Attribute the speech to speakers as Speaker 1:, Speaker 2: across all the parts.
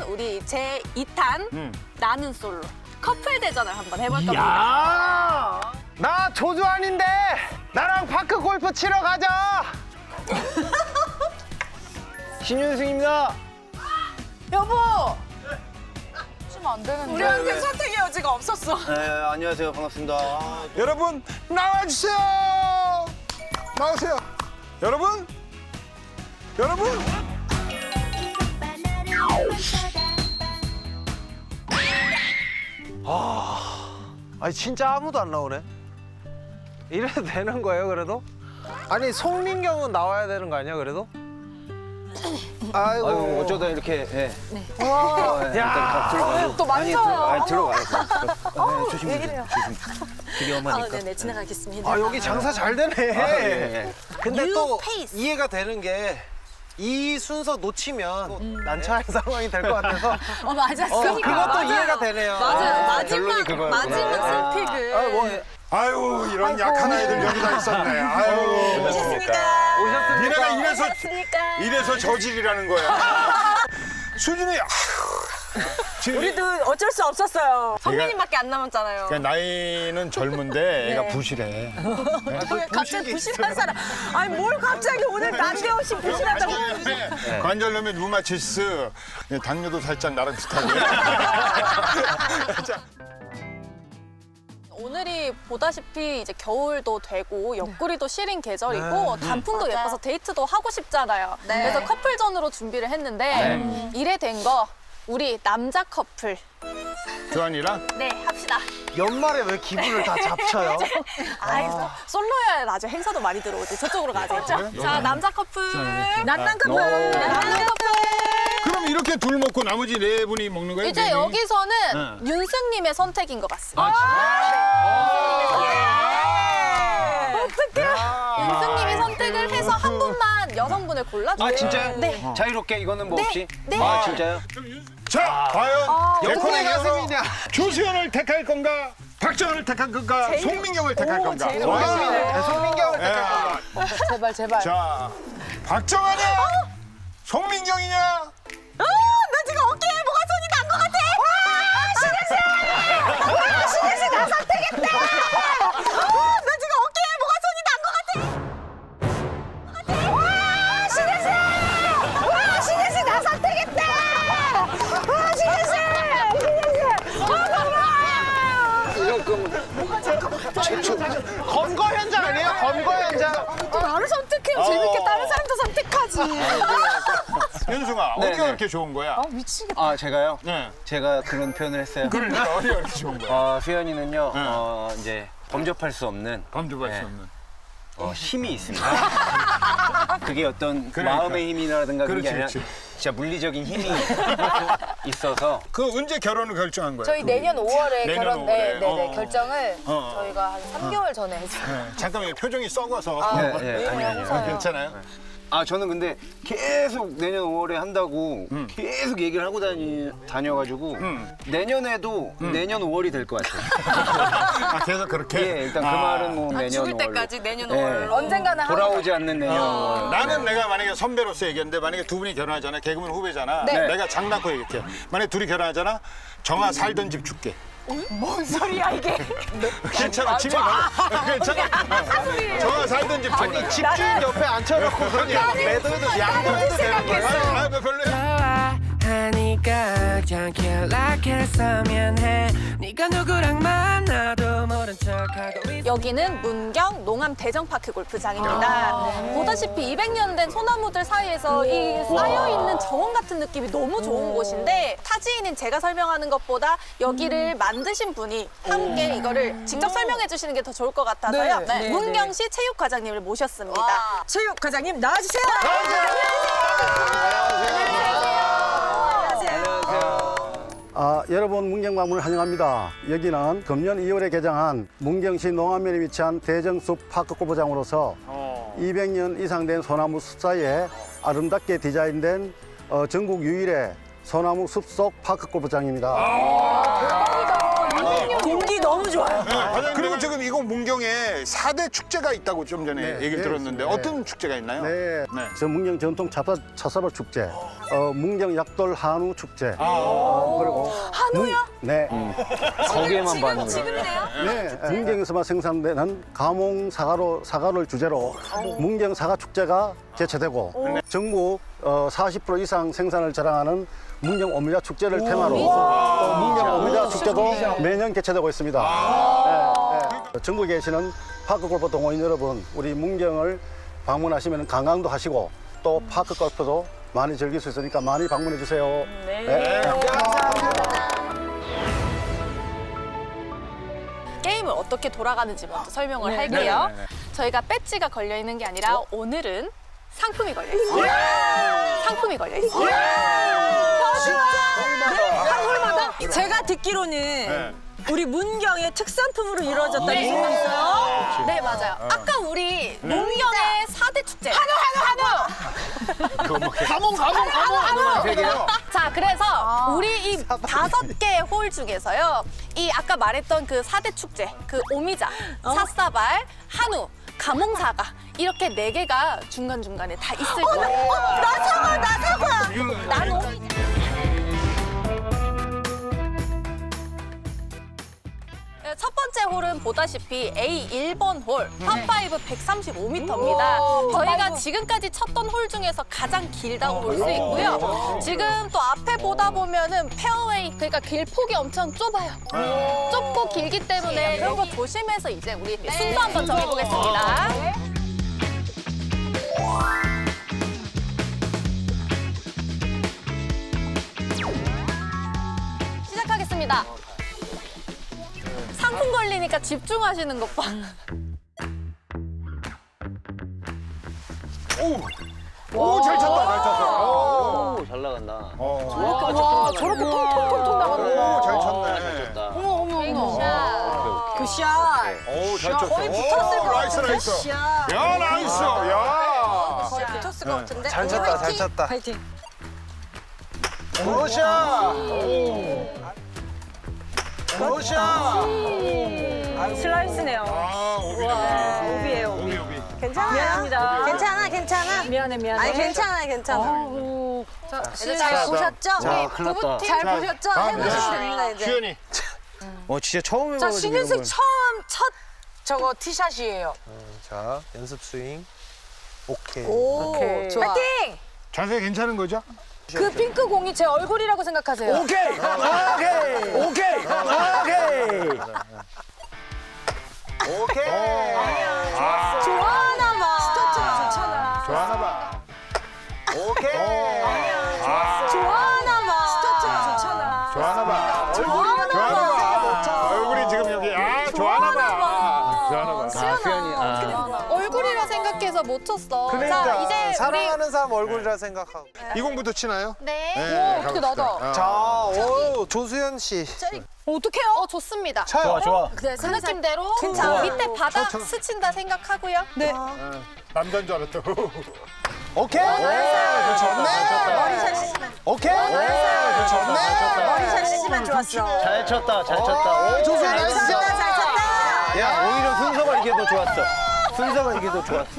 Speaker 1: 우리 제 2탄 나는 솔로 커플 대전을 한번 해볼 겁니다.
Speaker 2: 야! 나 조주환인데 나랑 파크 골프 치러 가자. 신윤승입니다.
Speaker 1: 여보! 치면 안 되는데. 우리한테 선택의 여지가 없었어.
Speaker 2: 네, 안녕하세요. 반갑습니다.
Speaker 3: 여러분 나와주세요. 나오세요. 여러분.
Speaker 2: 아니 진짜 아무도 안 나오네. 이래도 되는 거예요, 그래도? 아니 송민경은 나와야 되는 거 아니야, 그래도? 아이고
Speaker 4: 어쩌다 이렇게 예.
Speaker 2: 야,
Speaker 1: 또 만져요.
Speaker 4: 들어가요.
Speaker 1: 왜 이래요?
Speaker 4: 되게 어머니까.
Speaker 1: 네네, 지나가겠습니다.
Speaker 2: 아 여기 장사 잘 되네.
Speaker 4: 예.
Speaker 2: 근데
Speaker 1: 뉴
Speaker 2: 또
Speaker 1: 페이스.
Speaker 2: 이해가 되는 게 이 순서 놓치면 난처한 상황이 될 것 같아서
Speaker 1: 맞아.
Speaker 2: 그것도 이해가 되네요.
Speaker 1: 맞아요.
Speaker 4: 결론이 그거였구나.
Speaker 1: 마지막 선택을.
Speaker 3: 아유 이런 약한 아이들 여기 다 있었네. 아유.
Speaker 1: 오셨습니까?
Speaker 3: 니네가 이래서 저질이라는 거야. 수진이 지금
Speaker 1: 우리도 어쩔 수 없었어요. 성민님밖에 안 남았잖아요.
Speaker 3: 그러니까 나이는 젊은데 애가 부실해.
Speaker 1: 왜 갑자기 부실한 사람? 아니 뭘 갑자기 오늘 난데없이 부실하다고?
Speaker 3: 관절염에 루마티스, 당뇨도 살짝 나랑 비슷하고. 자,
Speaker 1: 오늘이 보다시피 이제 겨울도 되고 옆구리도 시린 계절이고 단풍도 예뻐서 데이트도 하고 싶잖아요. 그래서 커플전으로 준비를 했는데 이래 된 거 우리 남자 커플
Speaker 3: 조한이랑
Speaker 1: 네 합시다.
Speaker 2: 연말에 왜 기분을 다 잡쳐요?
Speaker 1: 아이고 솔로야 나중에 행사도 많이 들어오지. 저쪽으로 가자. 자 남자 커플 남자 커플 남자 커플.
Speaker 3: 그럼 이렇게 둘 먹고 나머지 네 분이 먹는 거예요?
Speaker 1: 이제
Speaker 3: 네 명이?
Speaker 1: 여기서는 윤승님의 선택인 것 같습니다. 윤승님이 선택을 해서 한 분만 여성분을 골라주세요.
Speaker 4: 아 진짜요?
Speaker 1: 네.
Speaker 4: 자유롭게 이거는 뭐 없이?
Speaker 1: 네.
Speaker 4: 아 진짜요?
Speaker 3: 자, 과연
Speaker 2: 역군의
Speaker 3: 예코네가서
Speaker 2: 가슴이냐?
Speaker 3: 조수현을 택할 건가? 박정현을 택할 건가? 송민경을 택할 건가?
Speaker 1: 제일
Speaker 2: 송민경을 택할 건가?
Speaker 1: 제발 제발.
Speaker 3: 자, 박정현이야? 송민경이냐?
Speaker 1: 나 지금 어깨에 뭐가 손이 난 것 같아. 신혜씨 나 선택했다. 나 지금 어깨에 뭐가 손이 난 것 같아. 신혜씨 나 선택했다. 신혜씨.
Speaker 2: 검거 현장 아니에요? 검거 현장.
Speaker 1: 나를 선택해요. 재밌게 다른 사람도 선택하지.
Speaker 3: 윤승아, 어디가 그렇게 좋은 거야?
Speaker 4: 아 제가요?
Speaker 3: 네.
Speaker 4: 제가 그런 표현을 했어요.
Speaker 3: 그러니까 어디가 그렇게 좋은 거야?
Speaker 4: 수현이는요 이제 범접할 수 없는
Speaker 3: 범접할
Speaker 4: 네.
Speaker 3: 수 없는.
Speaker 4: 힘이 있습니다. 그게 어떤
Speaker 3: 그러니까.
Speaker 4: 마음의 힘이라든가 그런 게
Speaker 3: 그렇지,
Speaker 4: 아니라
Speaker 3: 그렇지.
Speaker 4: 진짜 물리적인 힘이 있어서
Speaker 3: 그 언제 결혼을 결정한 거야?
Speaker 5: 저희 내년 5월에
Speaker 3: 내년
Speaker 5: 결혼
Speaker 3: 5월에.
Speaker 5: 네,
Speaker 3: 어.
Speaker 5: 결정을
Speaker 3: 어.
Speaker 5: 저희가 한 3개월 전에 했어요.
Speaker 3: 네, 잠깐만요. 표정이 썩어서.
Speaker 4: 아니요.
Speaker 3: 괜찮아요?
Speaker 4: 아 저는 근데 계속 내년 5월에 한다고 계속 얘기를 하고 다녀가지고 내년에도 내년 5월이 될 것 같아요.
Speaker 3: 아, 계속 그렇게?
Speaker 4: 예, 일단 그 말은 뭐 내년
Speaker 1: 죽을
Speaker 4: 5월로.
Speaker 1: 때까지 내년
Speaker 4: 예.
Speaker 1: 5월로.
Speaker 5: 언젠가는
Speaker 4: 돌아오지 않는 내년 5월.
Speaker 3: 나는 내가 만약에 선배로서 얘기했는데 만약에 두 분이 결혼하잖아. 개그맨 후배잖아.
Speaker 5: 네.
Speaker 3: 내가 장난코 얘기할게. 만약에 둘이 결혼하잖아. 정아 살던 집 줄게.
Speaker 1: 뭔 소리야 이게?
Speaker 3: 괜찮아. 집에 가. 괜찮아. 정아 살던 집 줄게.
Speaker 2: 집주인 옆에 앉혀놓고 그냥 매도해도 양보해도 되는 거야?
Speaker 3: 아, 별로야.
Speaker 6: 하니까 그냥 연락했으면 해 네가 누구랑 만나도 모른 척하고 있어
Speaker 1: 여기는 문경 농암 대정파크 골프장입니다. 보다시피 200년 된 소나무들 사이에서 이 쌓여있는 정원 같은 느낌이 너무 좋은 곳인데 타지인인 제가 설명하는 것보다 여기를 만드신 분이 함께 이거를 직접 설명해 주시는 게 더 좋을 것 같아서요. 문경시 체육과장님을 모셨습니다.
Speaker 5: 체육 과장님 나와주세요.
Speaker 7: 여러분 문경 방문을 환영합니다. 여기는 금년 2월에 개장한 문경시 농암면에 위치한 대정숲 파크 골프장으로서 200년 이상 된 소나무 숲 사이에 아름답게 디자인된 전국 유일의 소나무 숲속 파크 골프장입니다.
Speaker 5: 공기 분위기 너무 좋아요.
Speaker 3: 그리고 지금 이곳 문경에 4대 축제가 있다고 좀 전에
Speaker 7: 네,
Speaker 3: 얘기를
Speaker 7: 네,
Speaker 3: 들었는데
Speaker 7: 네.
Speaker 3: 어떤 축제가 있나요?
Speaker 7: 네.
Speaker 3: 네.
Speaker 7: 저 문경 전통 찻사발 축제, 문경 약돌 한우 축제, 그리고
Speaker 5: 한우요?
Speaker 7: 네.
Speaker 4: 거기에만 봤는데.
Speaker 5: 지금이네요?
Speaker 7: 네, 문경에서만 생산되는 가몽 사과를 주제로 문경 사과 축제가 개최되고 전국 40% 이상 생산을 자랑하는 문경 오미자 축제를 테마로 또 문경 오미자 축제도 매년 개최되고 있습니다. 네, 네. 전국에 계시는 파크골프 동호인 여러분, 우리 문경을 방문하시면 관광도 하시고 또 파크골프도 많이 즐길 수 있으니까 많이 방문해 주세요. 네.
Speaker 1: 게임을 어떻게 돌아가는지 먼저 설명을 할게요. 저희가 배지가 걸려 있는 게 아니라 오늘은 상품이 걸려 있어요. 상품이 걸려 있어요.
Speaker 5: 한 홀마다? 제가 듣기로는 우리 문경의 특산품으로 이루어졌다는 소문이 있어요.
Speaker 1: 네, 맞아요. 아까 우리 문경의 4대 축제. 자, 그래서 우리 이 5개의 홀 중에서요. 이 아까 말했던 그 4대 축제, 그 오미자, 삿사발, 한우, 가몽사과 이렇게 4개가 중간중간에 다 있을 거예요.
Speaker 5: 나 사과!
Speaker 1: 난 오미자. 첫 번째 홀은 보다시피 A 1번 홀, 파5 135m입니다. 저희가 지금까지 쳤던 홀 중에서 가장 길다고 볼 수 있고요. 지금 또 앞에 보다 보면은 페어웨이, 그러니까 길폭이 엄청 좁아요. 좁고 길기 때문에 이런 거 조심해서 이제 우리 순서 한번 정해보겠습니다. 시작하겠습니다. 상품 걸리니까 집중하시는 것 봐.
Speaker 3: 오, 잘 쳤다, 잘 쳤어.
Speaker 4: 오, 잘 나간다.
Speaker 5: 와, 저렇게 통통통통 나가는
Speaker 3: 오, 잘
Speaker 4: 아,
Speaker 3: 쳤네.
Speaker 5: 어머, 어머, 어머.
Speaker 1: 샷.
Speaker 5: 굿샷.
Speaker 3: 오, 잘 쳤어.
Speaker 5: 거의 붙었을 것
Speaker 3: 나이스,
Speaker 5: 같아.
Speaker 3: 나이스.
Speaker 5: 굿샷.
Speaker 3: 야, 나이스. 야.
Speaker 5: 거의 붙었을 것 같은데.
Speaker 2: 잘 쳤다, 잘 쳤다.
Speaker 5: 파이팅.
Speaker 2: 오샤! 오샤!
Speaker 5: 슬라이스네요.
Speaker 3: 아,
Speaker 5: 오비예요, 오비. 괜찮아. 미안합니다.
Speaker 8: 괜찮아, 괜찮아.
Speaker 5: 미안해, 미안해.
Speaker 8: 아니, 괜찮아, 괜찮아.
Speaker 1: 잘
Speaker 8: 보셨죠?
Speaker 4: 자, 큰일 났다.
Speaker 8: 잘 보셨죠? 해보시면 됩니다, 이제.
Speaker 3: 주연이.
Speaker 4: 진짜 처음 해봐가지고.
Speaker 8: 자, 신윤승
Speaker 4: 이런 걸.
Speaker 8: 처음 첫 저거 티샷이에요.
Speaker 2: 자, 연습 스윙. 오케이.
Speaker 8: 오, 좋아. 파이팅!
Speaker 3: 자세 괜찮은 거죠?
Speaker 8: 그 핑크 공이 제 얼굴이라고 생각하세요.
Speaker 7: 오케이! 오케이! 오케이! 오케이!
Speaker 2: 오케이.
Speaker 8: 좋아하나 봐.
Speaker 5: 스타트가 좋잖아.
Speaker 3: 좋아하나 봐.
Speaker 2: 오케이.
Speaker 8: 좋아하나 봐.
Speaker 5: 스타트가 좋잖아.
Speaker 3: 좋아하나 봐.
Speaker 8: 좋아하나
Speaker 3: 좋아하나
Speaker 8: 봐.
Speaker 3: 봐. 얼굴이 지금 여기. 좋아하나 봐. 좋아하나 봐.
Speaker 8: 수연아.
Speaker 1: 얼굴이라 생각해서 못 쳤어.
Speaker 2: 그러니까
Speaker 1: 자, 이제
Speaker 2: 사랑하는 사람 얼굴이라 생각하고.
Speaker 3: 이 공부터 치나요?
Speaker 1: 네.
Speaker 3: 네.
Speaker 8: 어떻게 나다.
Speaker 2: 자, 오, 조수연 씨.
Speaker 8: 어떡해요?
Speaker 1: 좋습니다.
Speaker 2: 쳐요.
Speaker 7: 좋아.
Speaker 1: 그 느낌대로
Speaker 8: 괜찮아.
Speaker 1: 밑에 바닥 스친다 생각하고요. 네.
Speaker 3: 남자인 줄 알았다.
Speaker 2: 오케이. 좋네.
Speaker 8: 머리샷 쓰시면.
Speaker 2: 오케이. 좋네.
Speaker 8: 머리샷 쓰시면 좋았어.
Speaker 4: 잘 쳤다, 잘 쳤다. 오,
Speaker 2: 조수연 나이스.
Speaker 8: 잘 쳤다.
Speaker 4: 야, 오히려 순서가 이게 더 좋았어. 순서가 이게 더 좋았어.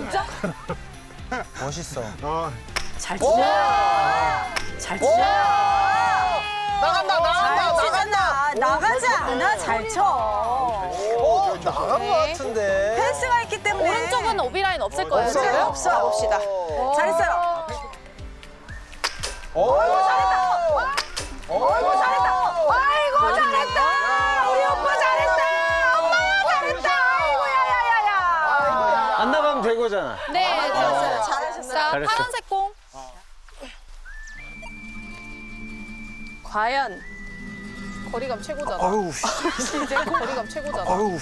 Speaker 2: 멋있어.
Speaker 5: 잘 치자. 잘 치자.
Speaker 2: 나간다, 나간다.
Speaker 8: 나가지 않아. 잘 쳐.
Speaker 2: 나간 것 같은데.
Speaker 8: 펜스가 있기 때문에.
Speaker 1: 오른쪽은 오비라인 없을 거예요.
Speaker 2: 없어요?
Speaker 1: 지금?
Speaker 8: 없어. 가봅시다. 잘했어요.
Speaker 2: 오, 잘했다.
Speaker 8: 아이고, 잘했다. 아이고, 잘했다. 우리 오빠 잘했다. 엄마야, 잘했다. 아이고, 야야야야.
Speaker 4: 안 나가면 된 거잖아.
Speaker 1: 네, 되었어요.
Speaker 8: 잘하셨어요.
Speaker 1: 자,
Speaker 4: 잘했어.
Speaker 1: 파란색 공. 과연 거리감 최고잖아.
Speaker 2: 어우,
Speaker 1: 이제 거리감 최고잖아.
Speaker 2: 어우.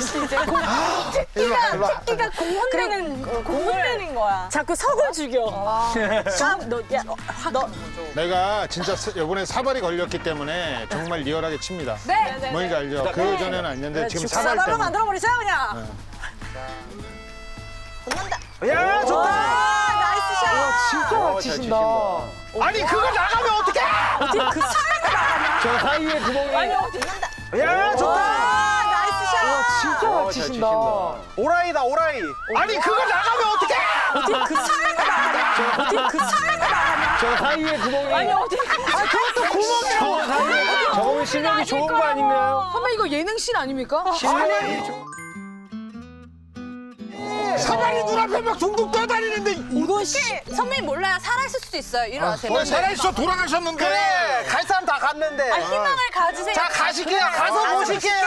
Speaker 8: 토끼가 공 흔드는, 공 흔드는 거야.
Speaker 5: 자꾸 석을 죽여.
Speaker 3: 내가 진짜 이번에 사발이 걸렸기 때문에 정말 리얼하게 칩니다.
Speaker 8: 네.
Speaker 3: 뭔지 알죠? 그 전에는 아니었는데 지금 사발
Speaker 8: 사발로
Speaker 3: 때문에.
Speaker 8: 만들어버리세요, 그냥. 붙는다.
Speaker 2: 야, 좋다.
Speaker 8: 아, 나이스 샷.
Speaker 4: 진짜 잘 치신다.
Speaker 2: 아니, 그거 나가면 어떡해?
Speaker 8: 그 사이에 나가냐?
Speaker 4: 저 사이에 구멍이.
Speaker 8: 붙는다.
Speaker 2: 야, 좋다.
Speaker 3: 진짜 잘 치신다.
Speaker 2: 오라이다 오라이.
Speaker 3: 아니 그거 나가면 어떡해?
Speaker 5: 그 사람이 나가냐? 어디 그 사람이 나가냐?
Speaker 4: 저 사이에 구멍이.
Speaker 5: 아니 어디? 아 그것도 구멍이라고.
Speaker 4: 저 사이에. 저거는 실력이 좋은 거 아닌가요?
Speaker 8: 선배 이거 예능씬 아닙니까?
Speaker 4: 실력이 좋은.
Speaker 3: 사방이 눈앞에 막 둥둥 떠다니는데
Speaker 5: 이건 씨.
Speaker 1: 선배님 몰라요. 살아있을 수도 있어요. 일어나세요.
Speaker 3: 살아있어 돌아가셨는데.
Speaker 2: 그래 갈 사람 다 갔는데.
Speaker 1: 희망을 가지세요.
Speaker 2: 자 가실게요. 가서 보실게요.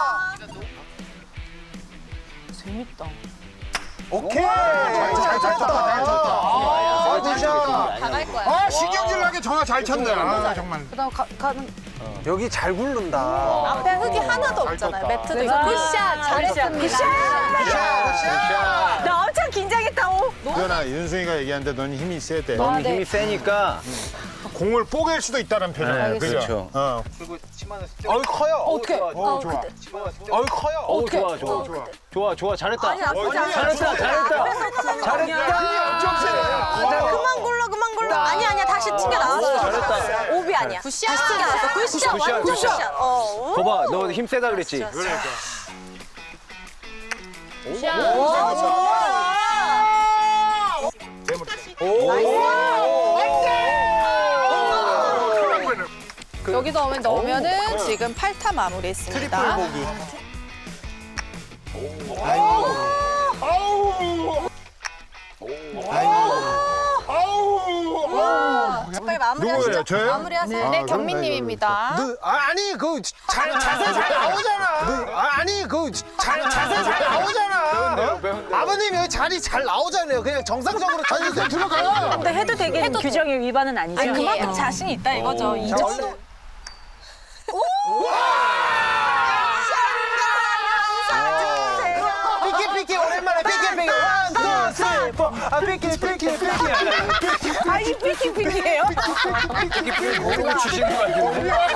Speaker 5: 재밌다.
Speaker 2: 오케이. 잘 쳤다. 아, 굿샷.
Speaker 1: 다 갈 거야.
Speaker 3: 아 신경질 나게 전화 잘 쳤네. 아 정말.
Speaker 8: 그다음 가는
Speaker 2: 여기 잘 굴른다.
Speaker 1: 앞에 흙이 하나도 없잖아요. 매트도 있고. 굿샷. 잘했습니다.
Speaker 5: 나 엄청 긴장했다.
Speaker 3: 유연아 윤승이가 얘기하는데 넌 힘이 세대.
Speaker 4: 너무 힘이 세니까.
Speaker 3: 공을 뽀갤 수도 있다는 표정. 그죠? 어.
Speaker 2: 어이 커요.
Speaker 5: 어떻게?
Speaker 3: 어 좋아.
Speaker 2: 어이 커요.
Speaker 4: 오 좋아 좋아 잘했다.
Speaker 5: 아니 나쁘지 않아.
Speaker 4: 잘했다.
Speaker 3: 엄청 세.
Speaker 1: 그만 굴러. 아니야. 다시 튕겨 나왔어.
Speaker 4: 잘했다.
Speaker 1: 오비 아니야. 굿샷. 다시 튕겨 나왔어. 굿샷. 완전 굿샷.
Speaker 4: 거봐 너 힘 세다 그랬지.
Speaker 1: 여기서 넣으면은 지금 8타 마무리했습니다. 빨리 마무리하시죠.
Speaker 3: 누구예요? 저요?
Speaker 1: 마무리하세요. 네, 경민님입니다.
Speaker 2: 아니 그 자세 잘 나오잖아. 아니 그 자세 잘 나오잖아. 아버님 여기 자리 잘 나오잖아요. 그냥 정상적으로 쳐주세요. 들어가요.
Speaker 5: 근데 해도 되게 규정의 위반은 아니죠.
Speaker 1: 아니, 그만큼 자신이 있다 이거죠. 이 정도.
Speaker 2: 삐끼 오랜만에 삐끼. 원, 투, 쓰리, 포. 아 삐끼.
Speaker 5: 아, 이 삐끼예요?
Speaker 4: 공을 주시는 거 같은데.